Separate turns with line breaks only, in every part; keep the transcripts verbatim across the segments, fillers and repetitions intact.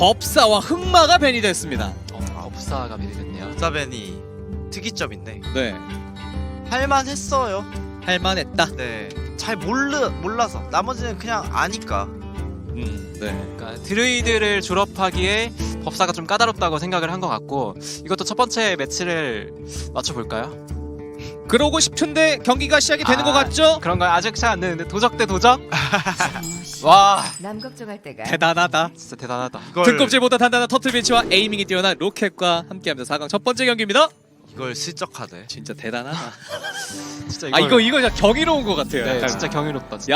법사와 흑마가 밴이 됐습니다.
어, 법사가 미리 됐네요.
법사벤이 특이점인데
네,
할만했어요.
할만했다.
네, 잘 몰라 몰라서 나머지는 그냥 아니까.
음, 네.
그러니까 드루이드를 졸업하기에 법사가 좀 까다롭다고 생각을 한 것 같고, 이것도 첫 번째 매치를 맞춰볼까요?
그러고 싶은데 경기가 시작이 되는
아,
것 같죠?
그런 거 아직 시작 안 됐는데 도적 대 도적? 와,
남 걱정할 때가
대단하다.
진짜 대단하다.
이걸,
등껍질보다 단단한 터틀빈치와 에이밍이 뛰어난 로켓과 함께하면서 사 강 첫 번째 경기입니다.
이걸 슬쩍하네.
진짜 대단하다.
진짜
아 이거 이거 진짜 경이로운 것 같아요.
네,
약간.
진짜 경이롭다. 진짜.
야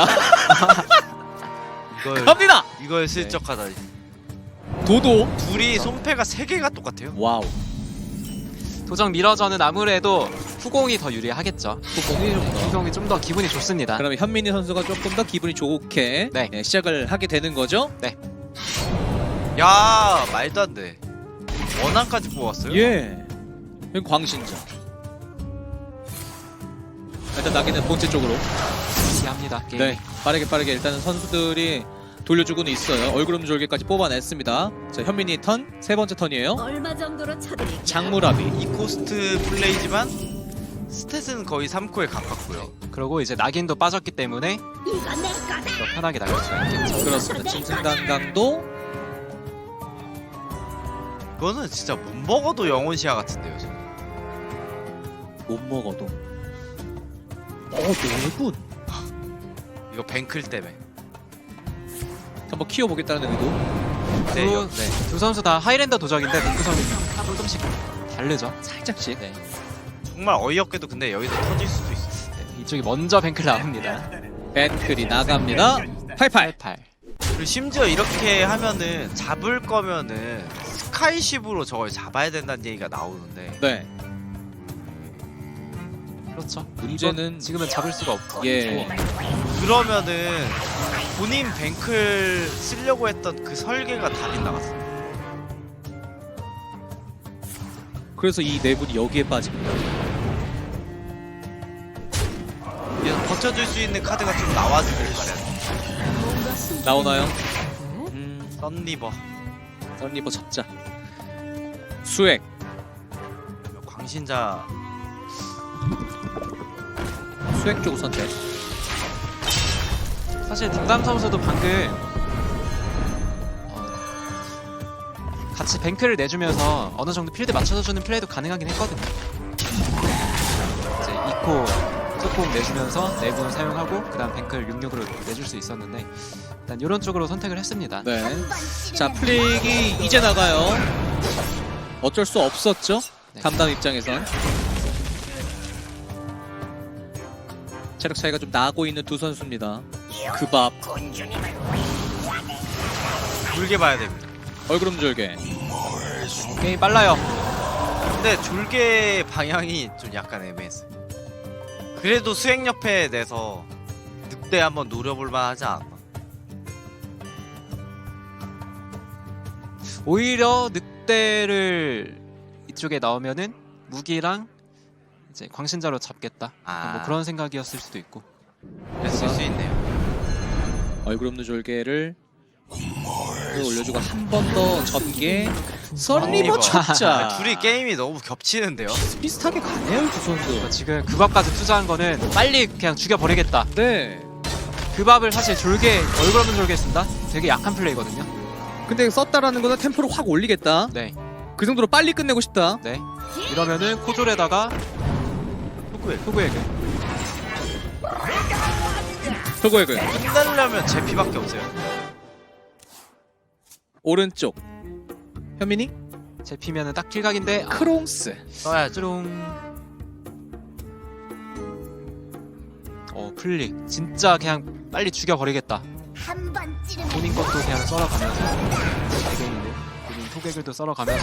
이걸
갑니다.
이걸 슬쩍하다.
도도.
둘이 손패가 세 개가 똑같아요.
와우.
도적 미러전은 아무래도 후공이 더 유리하겠죠.
후공이 좀 더.
후공이 좀 더 기분이 좋습니다.
그러면 현민이 선수가 조금 더 기분이 좋게
네.
예, 시작을 하게 되는 거죠?
야, 말도 안 돼. 원한까지 뽑았어요.
예. 여기 광신자. 일단 나기는 본체 쪽으로.
합니다. 게임.
네. 빠르게 빠르게 일단은 선수들이 돌려주고는 있어요. 얼그름 졸개까지 뽑아냈습니다. 자, 현민이 턴, 세 번째 턴이에요.
얼마 정도로 쳐드릴까?
장무라비.
이 코스트 플레이지만 스탯은 거의 삼 코에 가깝고요.
그리고 이제 낙인도 빠졌기 때문에
이거 내 거다.
더 편하게 나갈 수가 있겠죠.
그렇습니다. 짐승단강도
이거는 진짜 못 먹어도 영혼 시야 같은데요. 저는.
못 먹어도. 어, 네 분.
이거 뱅클 때문에.
한번 키워보겠다는 의도.
네,
두,
여-
네, 두 선수 다 하이랜더 도적인데 구성이 조금씩 다르죠.
살짝씩.
네.
정말 어이없게도 근데 여기서 터질 수도 있어.
네, 이쪽이 먼저 뱅클 나옵니다.
벤클이 나갑니다. 팔팔.
팔.
그리고 심지어 이렇게 하면은 잡을 거면은 스카이십으로 저걸 잡아야 된다는 얘기가 나오는데
네.
그렇죠.
문제는
이건 지금은 잡을 수가 없고.
예.
그러면은 본인 뱅클 쓰려고 했던 그 설계가 다 빗나갔어.
그래서 이 네 분이 여기에 빠집니다.
그래서 버텨줄 수 있는 카드가 좀 나와주길 바래.
나오나요?
음, 썬리버.
썬리버 잡자. 수액.
광신자.
수액 쪽 선택.
사실 딩담 선수도 방금 어, 같이 뱅크를 내주면서 어느 정도 필드 맞춰주는 플레이도 가능하긴 했거든요. 이제 이 코 조금 내주면서 내분 사용하고 그다음 뱅크를 육육으로 내줄 수 있었는데 일단 이런 쪽으로 선택을 했습니다.
네. 자, 플릭이 이제 나가요. 어쩔 수 없었죠.
네.
담당 입장에선. 체력 차이가 좀 나고 있는 두 선수입니다. 그 밥.
졸게 봐야 됩니다.
얼그름 졸개.
게임 빨라요.
근데 졸게 방향이 좀 약간 애매했어요. 그래도 수행 옆에 내서 늑대 한번 노려볼 만하지 않았나?
오히려 늑대를 이쪽에 나오면은 무기랑 이제 광신자로 잡겠다.
아.
뭐 그런 생각이었을 수도 있고.
그랬을 수 있네요.
얼그름 졸개를 올려주고 한 번 더 전개. 썬리버 쳤자.
아, 둘이 게임이 너무 겹치는데요.
비슷하게 가네요, 이 두 선수.
지금 그 밥까지 투자한 거는 빨리 그냥 죽여버리겠다.
네.
그 밥을 사실 졸개 얼굴 없는 졸개 쓴다? 되게 약한 플레이거든요.
근데 썼다라는 거는 템포를 확 올리겠다.
네,
그 정도로 빨리 끝내고 싶다.
네. 이러면은 코졸에다가
후구에
후구에게
저거에그
끝내려면 제 피밖에 없어요.
오른쪽. 현민이
제피면은 딱 킬각인데 아,
크롱스.
써야죠.
쭈룽. 어 플릭 진짜 그냥 빨리 죽여버리겠다.
한 번 찌르면
본인 것도 그냥 썰어가면서 대갱인데 본인 토객을도 썰어가면서.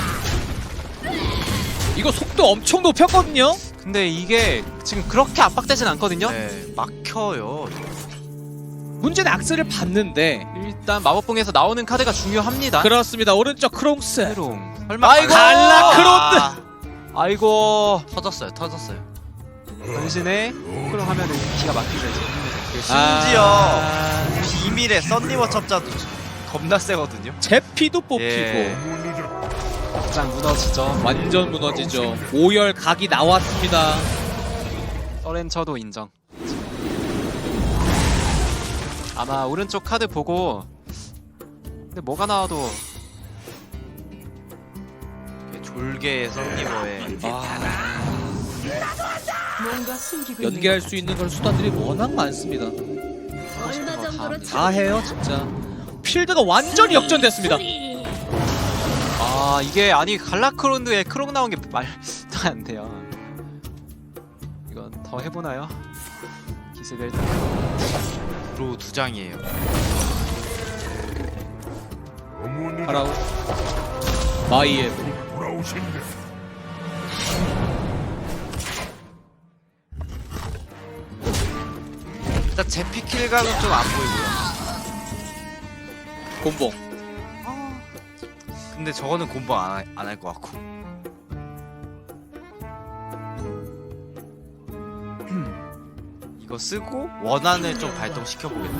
이거 속도 엄청 높였거든요.
근데 이게 지금 그렇게 압박되진 않거든요.
네, 막혀요.
문제는 악셀을 봤는데.
일단 마법봉에서 나오는 카드가 중요합니다.
그렇습니다. 오른쪽 크롱스.
크롱.
설마
아이고!
갈라크로드!
아,
아이고
터졌어요, 터졌어요.
변신에 크롱 하면은 기가 막히죠 이제.
심지어
아...
비밀의 썬리버 첩자도 겁나 세거든요.
제피도 뽑히고
예.
가장 무너지죠.
완전 무너지죠. 오열 각이 나왔습니다.
서렌처도 인정. 아마 오른쪽 카드 보고 근데 뭐가 나와도
졸개 썬리버에
아,
뭔가 숨기고
연계할 수 있는 그런 수단들이 워낙 많습니다.
얼마 정도로
다 해요 진짜. 필드가 완전히 역전됐습니다.
아 이게 아니 갈라크론드에 크롱 나온 게 말도 안 돼요. 이건 더 해보나요? 기습을
드로우 두 장이에요.
파라오 마이엠
일단 제피 킬각은 좀 안 보이고요.
곰봉.
근데 저거는 곰방 안 할 것 같고. 이거 쓰고 원한을 좀 발동시켜 보겠다.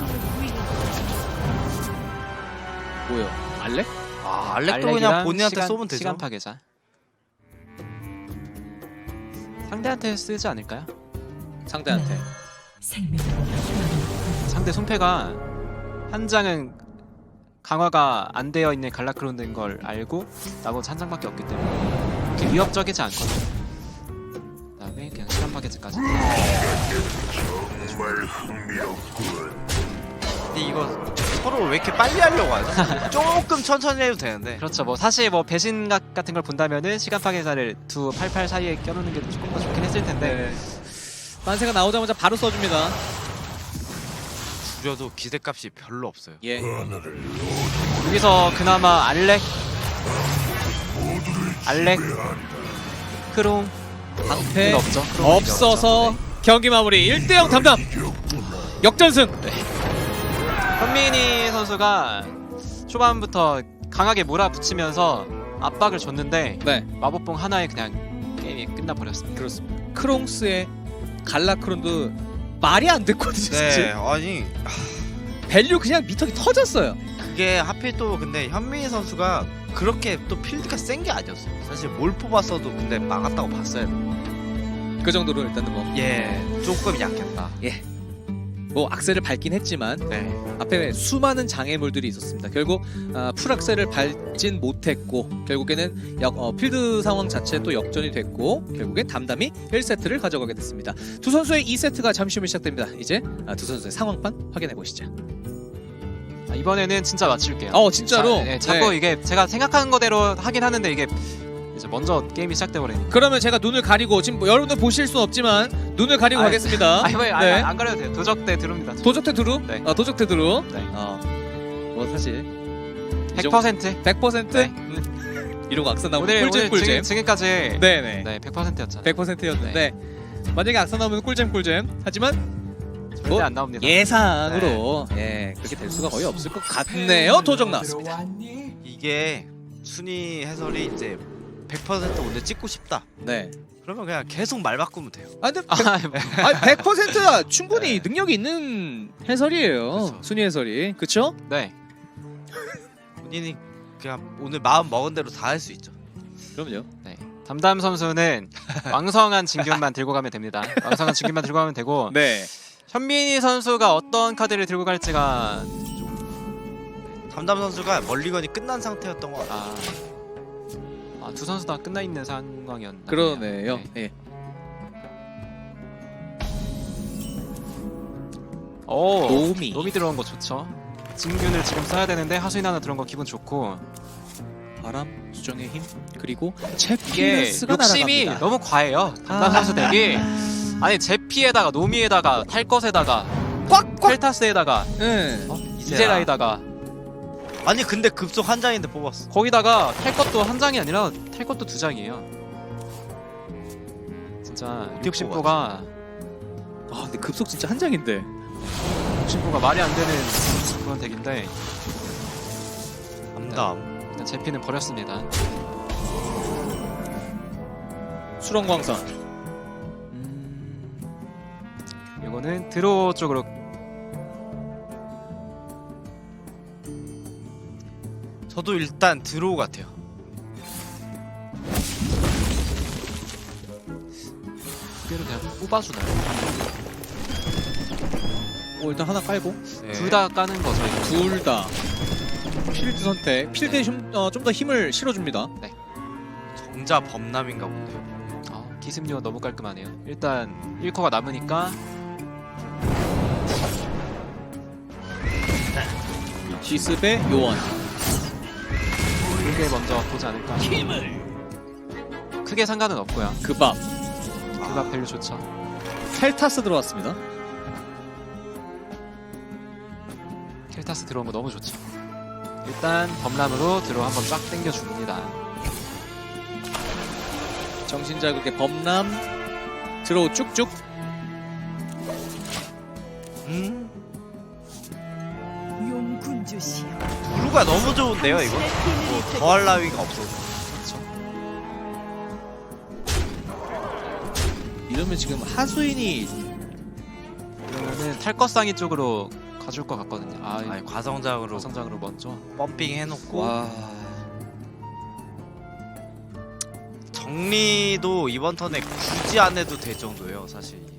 뭐요? 알렉?
아 알렉도
알렉이랑
그냥 본인한테
시간,
쏘면 되죠.
시간 파괴자. 상대한테 쓰지 않을까요?
상대한테.
상대 손패가 한 장은 강화가 안 되어 있는 갈라크론드인 걸 알고 나머지 한 장밖에 없기 때문에 그렇게 위협적이지 않거든요. 그다음에 그냥 시간 파괴제까지.
근데 이거 서로 왜 이렇게 빨리 하려고 하죠? 조금 천천히 해도 되는데.
그렇죠. 뭐 사실 뭐 배신각 같은 걸 본다면은 시간 파괴자를 두 팔팔 사이에 껴놓는 게 조금 더 좋긴 했을 텐데.
네. 만세가 나오자마자 바로 써줍니다.
줄여도 기대값이 별로 없어요.
예.
여기서 그나마 알렉, 알렉, 크롱
방패
없죠. 크롱은
없어서
없죠.
경기 마무리 일 대 영 담담. 역전승.
현민이 선수가 초반부터 강하게 몰아붙이면서 압박을 줬는데
네.
마법봉 하나에 그냥 게임이 끝나버렸습니다.
그렇습니다. 크롱스의 갈라크론드 말이 안 됐거든요.
네,
진짜.
아니
밸류 그냥 미터기 터졌어요.
그게 하필 또 근데 현민희 선수가 그렇게 또 필드가 센 게 아니었어요. 사실 뭘 뽑았어도 근데 막았다고 봤어야 돼.
그 정도로 일단은 뭐,
예, 조금 약했다.
뭐 악셀을 밟긴 했지만
네,
앞에 수많은 장애물들이 있었습니다. 결국 아, 풀악셀을 밟진 못했고 결국에는 역, 어, 필드 상황 자체 또 역전이 됐고 결국엔 담담히 일 세트를 가져가게 됐습니다. 두 선수의 이 세트가 잠시 후에 시작됩니다. 이제 아, 두 선수의 상황판 확인해 보시죠.
아, 이번에는 진짜 맞출게요.
어 진짜로?
자, 네, 자꾸
네.
이게 제가 생각하는 거대로 하긴 하는데 이게 이제 먼저 게임이 시작돼 버리니까.
그러면 제가 눈을 가리고 지금 뭐 여러분들 보실 수는 없지만 눈을 가리고
아이,
가겠습니다.
아니 뭐
네.
안, 안 가려도 돼요. 도적대 들어옵니다.
도적태 두루?
네.
아, 도적태 두루.
네.
어, 뭐 사실
백 퍼센트.
백 퍼센트?
네.
이러고 악선 나오면
오늘
꿀잼
오늘
꿀잼.
지금, 지금까지
네네.
네 백 퍼센트였잖아요.
백 퍼센트였는데 만약에 악선 나오면 꿀잼 꿀잼. 하지만
절대
뭐,
안 나옵니다.
예상으로 예 그렇게 될 수가 거의 없을 것 같네요. 도적 나왔습니다.
이게 순위 해설이 이제 백 퍼센트 오늘 찍고 싶다.
네.
그러면 그냥 계속 말 바꾸면 돼요.
아 근데
아,
백, 백 퍼센트가 충분히 능력이 있는 해설이에요.
그쵸.
순위 해설이. 그쵸?
네.
본인이 그냥 오늘 마음 먹은 대로 다 할 수 있죠.
그럼요.
네. 담담 선수는 왕성한 진균만 들고 가면 됩니다. 왕성한 진균만 들고 가면 되고
네.
현민희 선수가 어떤 카드를 들고 갈지가
담담 선수가 멀리건이 끝난 상태였던 것 같아요.
아, 아, 두 선수 다 끝나 있는 상황이었나요?
그러네요.
네.
예.
오,
노미.
노미 들어온 거 좋죠. 진균을 지금 써야 되는데 하수인 하나 들어온 거 기분 좋고
바람, 수정의 힘, 그리고
이게
제피스가
욕심이
날아갑니다.
너무 과해요. 담담
아.
선수 덱이 아니 제피에다가 노미에다가 탈것에다가
꽉꽉.
펠타스에다가
예.
어?
이제라에다가
아니 근데 급속 한 장인데 뽑았어.
거기다가 탈 것도 한 장이 아니라 탈 것도 두 장이에요. 진짜 욕심보가
아 근데 급속 진짜 한 장인데.
욕심보가 말이 안 되는 그런 덱인데
담담.
일단 제피는 버렸습니다.
수렁광선.
음... 이거는 드로우 쪽으로
저도 일단 드로우 같아요.
두 개를 그냥 뽑아주나요?
오, 일단 하나 깔고
네.
둘 다 까는 거죠. 이거.
둘 다 필드 선택. 필드에 좀 더 힘을 실어줍니다.
정자 범람인가 본데요.
아, 기습력 너무 깔끔하네요. 일단 일 코가 남으니까
기습의 요원.
그게 먼저 보지 않을까. 크게 상관은 없고요.
그밥.
그가 밸류 좋죠.
켈타스 들어왔습니다.
켈타스 들어온 거 너무 좋죠. 일단 범람으로 들어 한번 쫙 당겨줍니다.
정신자극의 범람. 드로우 쭉쭉.
음?
용군주시여.
블루가 너무 좋은데요 이거? 뭐 더할 나위가 없어서.
그렇죠.
이러면 지금 하수인이
그러면은 탈것상이 쪽으로 가줄 것 같거든요. 아,
아니 과성장으로
성장으로 먼저.
펌핑 해놓고
와.
정리도 이번 턴에 굳이 안 해도 될 정도예요 사실. 이게.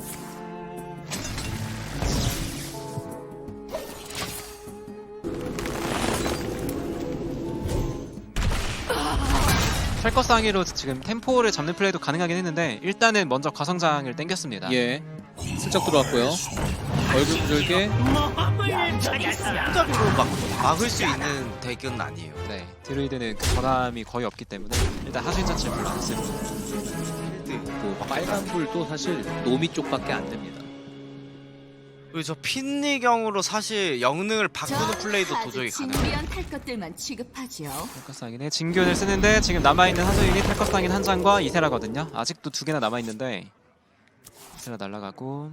탈것상이로 지금 템포를 잡는 플레이도 가능하긴 했는데 일단은 먼저 과성장을 땡겼습니다.
예. 슬쩍 들어왔고요. 얼굴 구절개.
손잡이로 막 막을 수 있는 덱은 아니에요.
네, 드루이드는 그 전함이 거의 없기 때문에 일단 하수인 자체를 별로 안 쓰고.
그 빨간불도 사실 노미 쪽밖에 안 됩니다.
그리고 저 핀니경으로 사실 영능을 바꾸는 플레이도 도저히 가능해요.
진미한 탈 것들만 취급하죠.
탈것상인의 진균을 쓰는데 지금 남아있는 하수인이 탈것상인 한 장과 이세라거든요. 아직도 두 개나 남아있는데 이세라 날아가고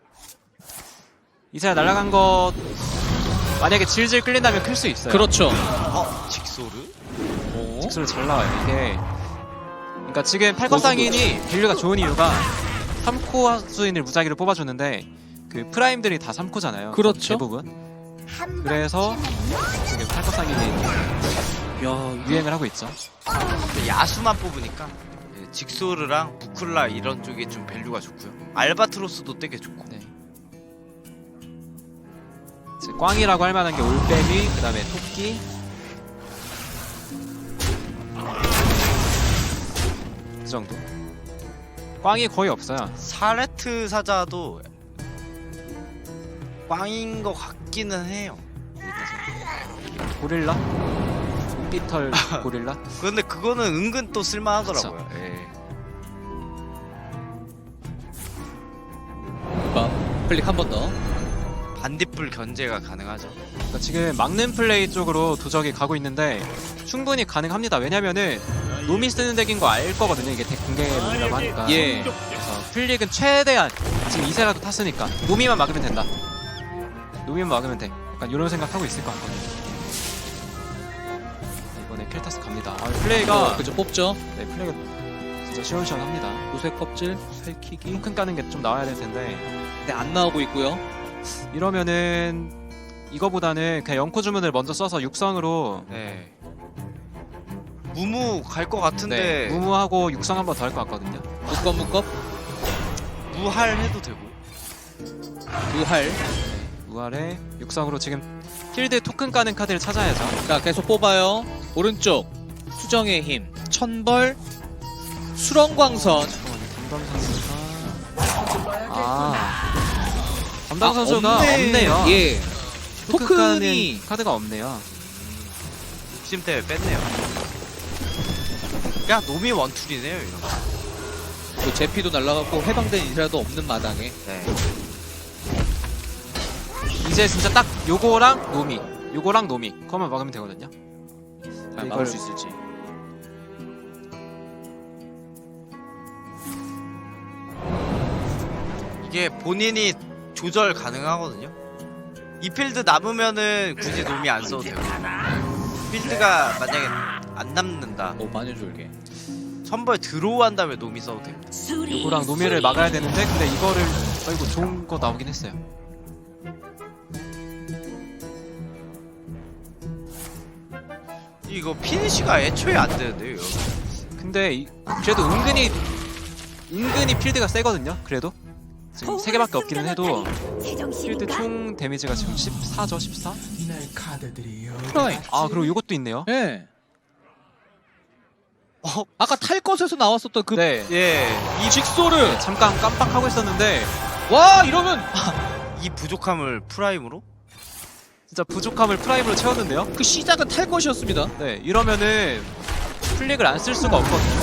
이세라 날아간 것 만약에 질질 끌린다면 클 수 있어요.
그렇죠.
어? 직소르?
오.
직수를 잘 나와요. 이게 그러니까 지금 탈것상인이 밸류가 좋은 이유가 삼 코 하수인을 무작위로 뽑아주는데 그 프라임들이 다 삼 코잖아요.
그렇죠.
대부분. 그래서 지금 탈것상인이
야,
유행을 하고 있죠.
근데 야수만 뽑으니까 예, 직소르랑 부클라 이런 쪽이 좀 밸류가 좋고요. 알바트로스도 되게 좋고.
네. 이제 꽝이라고 할 만한 게 올빼미, 그 다음에 토끼. 그 정도. 꽝이 거의 없어요.
사레트 사자도 꽝인 것 같기는 해요.
고릴라? 삐털 고릴라?
근데 그거는 은근 또 쓸만하더라고요. 예.
밥. 클릭 한 번 더.
반딧불 견제가 가능하죠.
그러니까 지금 막는 플레이 쪽으로 도적이 가고 있는데 충분히 가능합니다. 왜냐면은 노미 쓰는 덱인 거 알 거거든요. 이게 덱 공개 룰이라고 하니까.
예.
그래서 플릭은 최대한 지금 이세라도 탔으니까 노미만 막으면 된다. 노미만 막으면 돼. 약간 이런 생각하고 있을 것 같거든요. 이번에 켈타스 갑니다. 아, 플레이가
어, 그죠, 뽑죠.
네, 플레이가 진짜 시원시원합니다.
요새 껍질, 살키기.
토큰 까는 게 좀 나와야 될 텐데
네, 안 나오고 있고요.
이러면은 이거보다는 그냥 영코 주문을 먼저 써서 육성으로
네. 무무 갈 것 같은데
네, 무무하고 육성 한 번 더 할 것 같거든요.
묶업, 묶업.
무할 해도 되고.
두할.
무알에 육성으로 지금 필드 토큰 까는 카드를 찾아야죠.
자, 계속 뽑아요. 오른쪽. 수정의 힘. 천벌. 수렁광선.
담당 선수가 아 담당 선수가
아, 없네.
없네요.
예.
토큰
토큰이
까는 카드가 없네요.
욕심 때문에 뺐네요. 야 노미 원툴이네요 이런 거.
또 제피도 날라갔고 해방된 인사도 없는 마당에.
네.
이제 진짜 딱 요거랑 노미, 요거랑 노미 그거만 막으면 되거든요.
잘
이걸-
막을 수 있을지.
이게 본인이 조절 가능하거든요. 이 필드 남으면은 굳이 노미 안 써도 되고. 필드가 만약에 안 남는다.
오, 마녀졸개.
천벌 드로우 한 다음에 노미 써도 돼요.
수리.
요거랑 노미를 막아야 되는데 근데 이거를 아이고 좋은 거 나오긴 했어요.
이거 피니시가 애초에 안 되는데요. 이거.
근데 이, 그래도 은근히 은근히 필드가 세거든요. 그래도 지금 세 개밖에 없기는 해도 필드 총 데미지가 지금 십사죠, 십사.
프라이.
아 그리고 이것도 있네요.
예.
어,
아까 탈 것에서 나왔었던 그
네,
예,
이 직소를
잠깐 깜빡하고 있었는데
와 이러면
이 부족함을 프라임으로?
진짜 부족함을 프라임으로 채웠는데요.
그 시작은 탈 것이었습니다.
네, 이러면은 플릭을 안 쓸 수가 없거든요.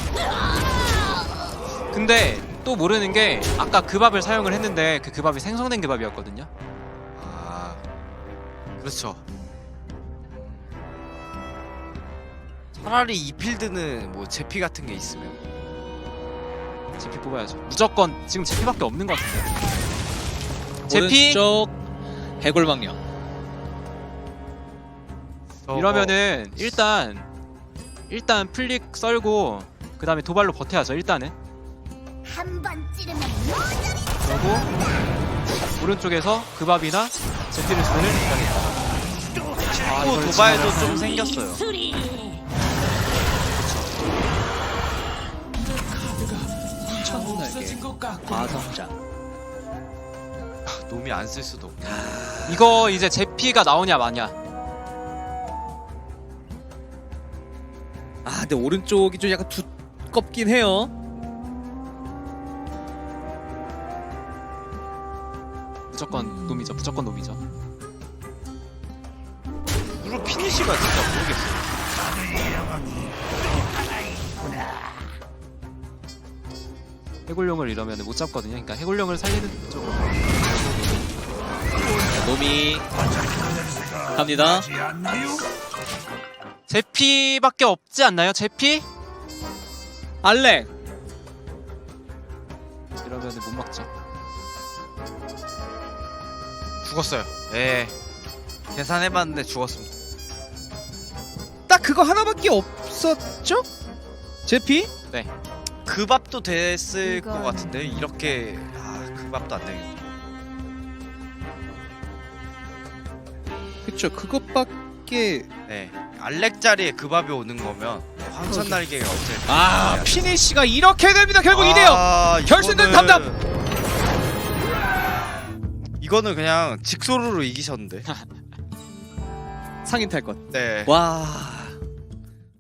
근데 또 모르는 게 아까 그 밥을 사용을 했는데 그 그밥이 생성된 그밥이었거든요.
아, 그렇죠. 차라리 이 필드는 뭐 제피 같은 게 있으면
제피 뽑아야죠. 무조건 지금 제피밖에 없는 것 같은데. 제피
오른쪽 해골망령.
저거-
이러면은 일단 일단 플릭 썰고 그 다음에 도발로 버텨야죠. 일단은.
한번 찌르면
그리고 오른쪽에서 그밥이나 제피를 쓰는 해야겠다. 아,
또
이걸
도발도
지나가면-
좀 생겼어요.
수리.
천날개. 과성장.
놈이 안 쓸 수도 없고.
이거 이제 제피가 나오냐 마냐.
아 근데 오른쪽이 좀 약간 두껍긴 해요.
무조건 놈이죠. 무조건 놈이죠.
그리고 피니시가 진짜 모르겠어요.
해골룡을 이러면 못 잡거든요. 그러니까 해골룡을 살리는 쪽으로.
놈이 갑니다.
제피밖에 없지 않나요? 제피?
알렉.
이러면 못 막죠.
죽었어요. 예. 계산해봤는데 죽었습니다.
딱 그거 하나밖에 없었죠? 제피?
그 밥도 됐을
이건-
것 같은데 이렇게 아, 그 밥도 안 되겠네.
그쵸 그것밖에.
네. 알렉 자리에 그 밥이 오는 거면 황천 날개가 어째?
아 피니시가 이렇게 됩니다. 결국 이 대영.
아,
결승전
이거는-
담담!
이거는 그냥 직소로로 이기셨는데.
상인 탈 것.
네.
와